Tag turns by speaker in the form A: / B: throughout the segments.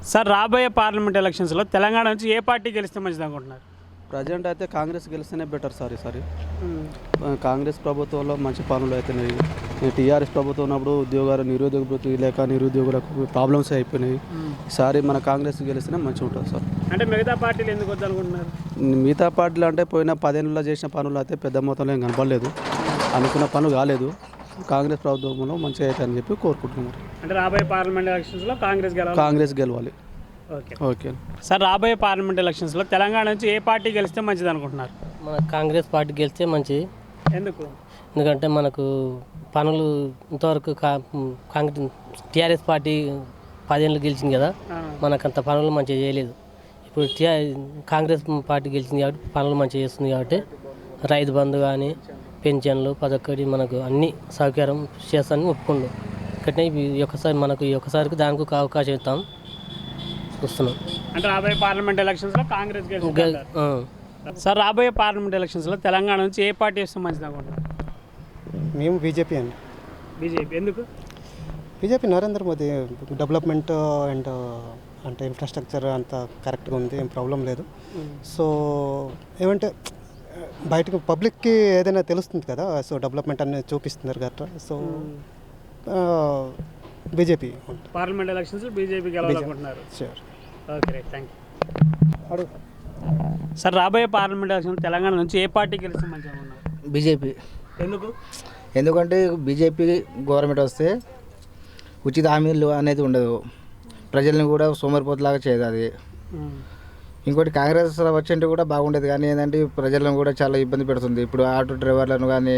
A: Sir రాబోయే parliament ఎలక్షన్స్లో తెలంగాణ నుంచి ఏ పార్టీ గెలిస్తే మంచిది అనుకుంటున్నారు?
B: ప్రజెంట్ అయితే కాంగ్రెస్ గెలిస్తేనే బెటర్ సార్ ఈసారి. కాంగ్రెస్ ప్రభుత్వంలో మంచి పనులు అవుతున్నాయి. టీఆర్ఎస్ ప్రభుత్వం ఉన్నప్పుడు ఉద్యోగాలు నిరుద్యోగ వృత్తి లేక నిరుద్యోగులకు ప్రాబ్లమ్స్ అయిపోయినాయి. ఈసారి మన కాంగ్రెస్ గెలిస్తేనే మంచిగా ఉంటుంది సార్.
A: అంటే మిగతా పార్టీలు ఎందుకు వద్దనుకుంటున్నారు?
B: మిగతా పార్టీలు అంటే పోయిన 10 ఏళ్ళలో చేసిన పనులు అయితే పెద్ద మొత్తంలో ఏం కనపడలేదు, అనుకున్న పనులు కాలేదు. కాంగ్రెస్ ప్రభుత్వంలో మంచిగా అవుతాయని చెప్పి కోరుకుంటున్నారు.
A: అంటే రాబోయే పార్లమెంట్ ఎలక్షన్స్లో
B: కాంగ్రెస్ గెలవాలి.
A: ఓకే సార్, రాబోయే పార్లమెంట్ ఎలక్షన్స్లో తెలంగాణ నుంచి ఏ పార్టీ గెలిస్తే మంచిది అనుకుంటున్నారు?
C: మన కాంగ్రెస్ పార్టీ గెలిస్తే మంచిది.
A: ఎందుకు?
C: ఎందుకంటే మనకు పనులు ఇంతవరకు కాంగ్రెస్ టీఆర్ఎస్ పార్టీ 10 ఏళ్ళు గెలిచింది కదా, మనకంత పనులు మంచిగా చేయలేదు. ఇప్పుడు కాంగ్రెస్ పార్టీ గెలిచింది కాబట్టి పనులు మంచిగా చేస్తుంది. కాబట్టి రైతు బంధు కానీ పెన్షన్లు పదొక్కటి మనకు అన్ని సౌకర్యం చేస్తానని ఒప్పుకుండు. ఇక్కడనే ఈ ఒక్కసారికి దానికి ఒక అవకాశం ఇస్తాం చూస్తున్నాం.
A: అంటే రాబోయే పార్లమెంట్ ఎలక్షన్స్లో కాంగ్రెస్ సార్, రాబోయే పార్లమెంట్ ఎలక్షన్స్లో తెలంగాణ నుంచి ఏ పార్టీ వస్తే మంచిది అనుకుంటున్నారు?
D: మేము బీజేపీ అండి.
A: బీజేపీ ఎందుకు?
D: BJP Narendra Modi development and అంటే ఇన్ఫ్రాస్ట్రక్చర్ అంతా కరెక్ట్గా ఉంది, ఏం ప్రాబ్లం లేదు. సో ఏమంటే బయటకు పబ్లిక్కి ఏదైనా తెలుస్తుంది కదా, సో డెవలప్మెంట్ అనేది చూపిస్తున్నారు కదా. సో బీజేపీ
A: పార్లమెంట్ ఎలక్షన్స్లో బీజేపీ గెలవాలనుకుంటున్నారు.
D: Sure.
A: Okay right, thank you. Sir, రాబోయే పార్లమెంట్ ఎలక్షన్ తెలంగాణ నుంచి ఏ పార్టీ గెలిస్తే మంచిగా ఉన్నారు?
E: బీజేపీ.
A: ఎందుకు?
E: ఎందుకంటే బీజేపీ గవర్నమెంట్ వస్తే ఉచిత హామీలు అనేది ఉండదు, ప్రజల్ని కూడా సోమరిపోతులాగా చేయదు అది. ఇంకోటి కాంగ్రెస్ వచ్చింటే కూడా బాగుండేది, కానీ ఏంటంటే ప్రజలను కూడా చాలా ఇబ్బంది పెడుతుంది. ఇప్పుడు ఆటో డ్రైవర్లను కానీ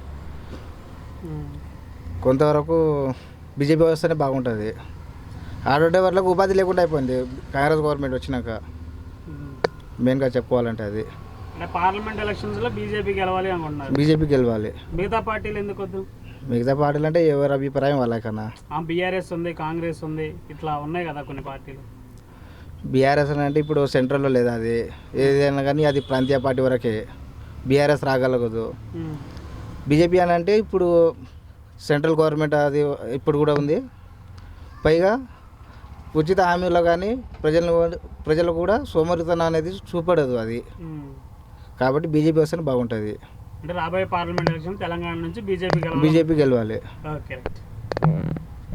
E: కొంతవరకు బీజేపీ వస్తేనే బాగుంటుంది. ఆటో డ్రైవర్లకు ఉపాధి లేకుండా అయిపోయింది కాంగ్రెస్ గవర్నమెంట్ వచ్చినాక, మెయిన్గా చెప్పుకోవాలంటే అది.
A: అంటే పార్లమెంట్ ఎలక్షన్స్లో బీజేపీ గెలవాలి అనుకుంటున్నారు?
E: బీజేపీ గెలవాలి.
A: మిగతా పార్టీలు ఎందుకు వద్దు?
E: మిగతా పార్టీలు అంటే ఎవరి అభిప్రాయం వాళ్ళకన్నా.
A: బీఆర్ఎస్ ఉంది, కాంగ్రెస్ ఉంది, ఇట్లా ఉన్నాయి కదా కొన్ని పార్టీలు.
E: బీఆర్ఎస్ అంటే ఇప్పుడు సెంట్రల్లో లేదు, అది ఏదైనా కానీ అది ప్రాంతీయ పార్టీ వరకే, బీఆర్ఎస్ రాగలగదు. బీజేపీ అని అంటే ఇప్పుడు సెంట్రల్ గవర్నమెంట్ అది ఇప్పుడు కూడా ఉంది, పైగా ఉచిత హామీలో కానీ ప్రజలు కూడా సోమరితనం అనేది చూపడదు అది. కాబట్టి బీజేపీ వస్తేనే బాగుంటుంది.
A: అంటే రాబోయే పార్లమెంట్ ఎలక్షన్ తెలంగాణ నుంచి బీజేపీ
E: గెలవాలి.
A: Okay right.